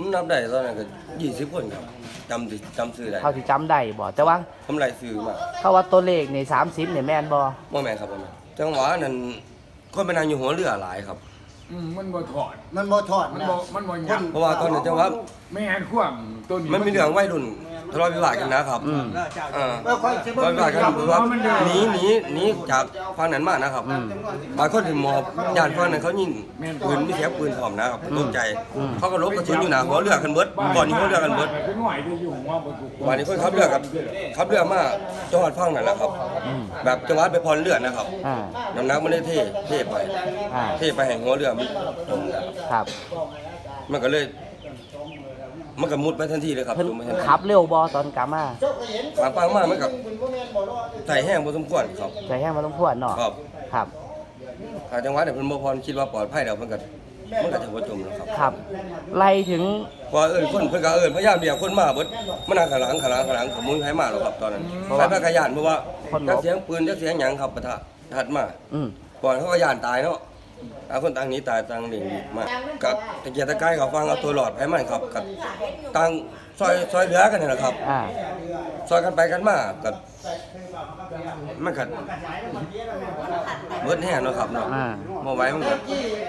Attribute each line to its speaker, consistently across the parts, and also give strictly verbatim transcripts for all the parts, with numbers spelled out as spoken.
Speaker 1: นับได้ตอนนั้นก็ยี่สิบคนครับจำจำซื้อได้
Speaker 2: เขาที่จำได้บ่แต่ว่า
Speaker 1: ทำไรซื้อมา
Speaker 2: เขาว่าตัวเลขในสามสิบเนี่ยแม่นบ่
Speaker 1: บ่แม่นครับบ่แม่นจังหวะนั้นคนไปนั่งอยู่หัวเรือหลายครับ
Speaker 3: อืมมันบ่ถอด
Speaker 4: มันบ่ถอด
Speaker 3: มันบ่มันบ่ยัน
Speaker 1: เพราะว่าตอนนั้นจังหวะ
Speaker 3: ไม่งั้นความต้น
Speaker 1: มันมีเรื่องวัยรุ่นทะเลาะวิวาทกันนะครับอ่าทะเลาะวิวาทกันคือว่าหนีหนีหนีจากฝั่งนั้นมานะครับบางคนถึงมอบญาติฝั่งนั้นเขายิงปืนมีเสียงปืนพร้อมนะครับตกใจเขาก็ลบกระสุนอยู่หน้าหัวเรือกันเบิดก่อนที่หัวเรือกันเบิด
Speaker 3: เป็นหน่วยที่อยู่ว่าบ่ถูก
Speaker 1: วันนี้คนขับเรือกับขับเรือมาจังหวัดฝั่งนั่นแหละครับแบบจังหวัดไปพรเรือนะครับน้ำหนักมันได้เท่เท่ไปเท่ไปแห่งหัวเรือมันจมแล้ว
Speaker 2: ครับ
Speaker 1: มันก็เลยมันก็มุดไปทันทีเลยครับ
Speaker 2: ขับเร็วบอตอนกลับมา
Speaker 1: ขวางปังมากมันกับใส่แห้งพอสมควรครับ
Speaker 2: ใส่แห้งมาต้องพวดเนาะ
Speaker 1: ครับ
Speaker 2: ครับ
Speaker 1: ทางจังหวัดเนี่ยเพิ่นบ่พรคิดว่าปลอดภัยแล้วเพิ่นก็มันก็จะบ่จมแล้วครับ
Speaker 2: ครับไล่ถึง
Speaker 1: พอเอิ้นคนเพิ่นก็เอิ้นพยายามเรียกคนมาเบิดมันนั่งข้างหลังข้างหลังข้างหลังขมุนไผมาแล้วครับตอนนั้นไปพระกยานเพราะว่าจักเสียงปืนจักเสียงหยังครับปะทะถัดมา
Speaker 2: อืม
Speaker 1: ก่อนเขาก็ย่านตายเนาะต่างคนต่างหนีตายต่างหนีมากับตะเกียกตะกายเขาฟังเอาตัวหลอดให้มันครับกับต่างซอยซอยเหลือกันนี่แหละครับซอยกันไปกันมากับมันกัดเบิดแห้งเนาะครับเนาะมาไว้มันกัด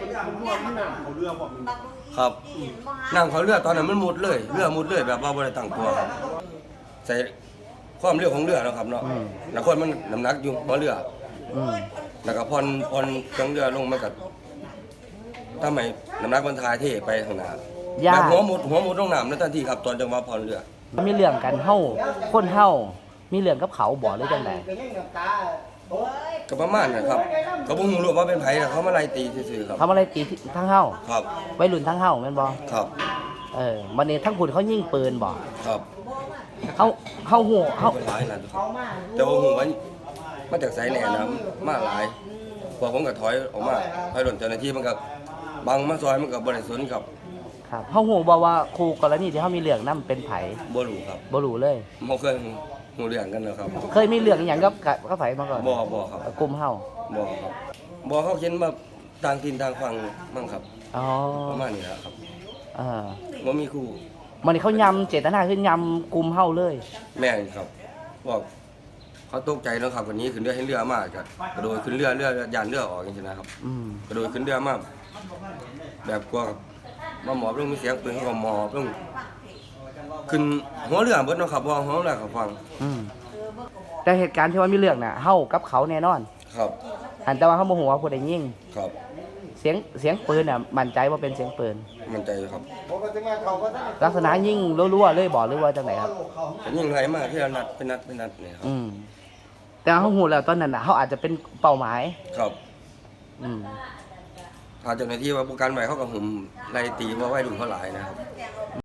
Speaker 1: ครับนั่งเขาเรือตอนนั้นมันมุดเลยเรือมุดเลยแบบว่าบริตั้งตัวครับใส่ความเรือของเรือเนาะครับเนาะแล้วคนมันน้ำหนักอยู่บนเรือแล้วก็พรพรจังเรือลงมากับทำไมน้ำหนักมันทายเทไปข้างหน้าแบบหัวมุดหัวมุดลงน้ำนั่นทันทีครับตอนจังหวะพรเรือ
Speaker 2: มีเรื่องกันเฮ้าคนเฮ้ามีเรื่องกับเขาบ่หรือจังได
Speaker 1: ก็ประมาณนะครับก็บ่ฮู้ว่าเป็นไผแต่เขามาไล่ตีซื่อๆครับ
Speaker 2: เขามาไล่ตีทั้งเฮ้า
Speaker 1: ครับ
Speaker 2: วัยรุ่นทั้งเฮ้าแม่นบ่
Speaker 1: ครับ
Speaker 2: เออวันนี้ทั้งคุณเขายิงปืนบ่
Speaker 1: ครับ
Speaker 2: เฮาเฮาฮู้เฮา
Speaker 1: หลายนั่นครับแต่ว่าฮู้ว่ามาจากไสแหน่นะมาหลายพวกผมก็ถอยออกมาถอยหล่นเจ้าหน้าที่มันก็บังมาซอยมันก็บ่ได้สนครับ
Speaker 2: ครับเฮาฮู้บ่ว่าครูกรณีที่เฮามีเรื่องนำเป็นไผ
Speaker 1: บ่รู้ครับ
Speaker 2: บ่รู้เลย
Speaker 1: บ่เคยฮู้เรื่องกันแล้วครับ
Speaker 2: เคยมีเรื่องอีหยังกับกับไผมาก่อน
Speaker 1: บ่บ่ครับ
Speaker 2: กลุ่มเฮา
Speaker 1: บ่ครับบ่เขาเขียนมาต่างถิ่นต่างฝั่งมั่งครับ
Speaker 2: อ๋อ
Speaker 1: ประมาณนี้แหละครับ
Speaker 2: เออ
Speaker 1: บ่มีครู
Speaker 2: มันนี่เขายำเจตนาคือยำกลุ่มเฮาเลย
Speaker 1: แม่นครับบอกเขาตกใจแล้วครับวันนี้ขึ้นเรือให้เรือมากกระโดดขึ้นเรือเรือยานเรือออกอย่างนี้นะครับกระโดดขึ้นเรือมากแบบกลัวมาหมอบลงมีเสียงปืนเขาก็หมอบลงขึ้นหัวเรือเบิดเนาะครับว่าหัวเรือเขาฟัง
Speaker 2: แต่เหตุการณ์ที่ว่ามีเรื่องน่ะเฮากับเขาแน่นอน
Speaker 1: ครับ
Speaker 2: อันแต่ว่าเขาโมโหว่าผู้ใดยิง
Speaker 1: ครับ
Speaker 2: เสียงเสียงปืนน่ะมั่นใจว่าเป็นเสียงปืน
Speaker 1: มั่นใจครับ
Speaker 2: ลักษณะยิงรัวๆเลยบอกหรือว่าจังไหนครับ
Speaker 1: ยิงไรมากที่เรานัดเป็นนัดเป็นนัดเนี่ยครับ
Speaker 2: แต่เขาหูแล้วตอนนั้นน่ะเขาอาจจะเป็นเป้าหมาย
Speaker 1: ครับอืมถ้าเจ้าหน้าที่ว่าประกันใหม่เขากับผมไล่ตีว่าไว้ดุเขาหลายนะครับ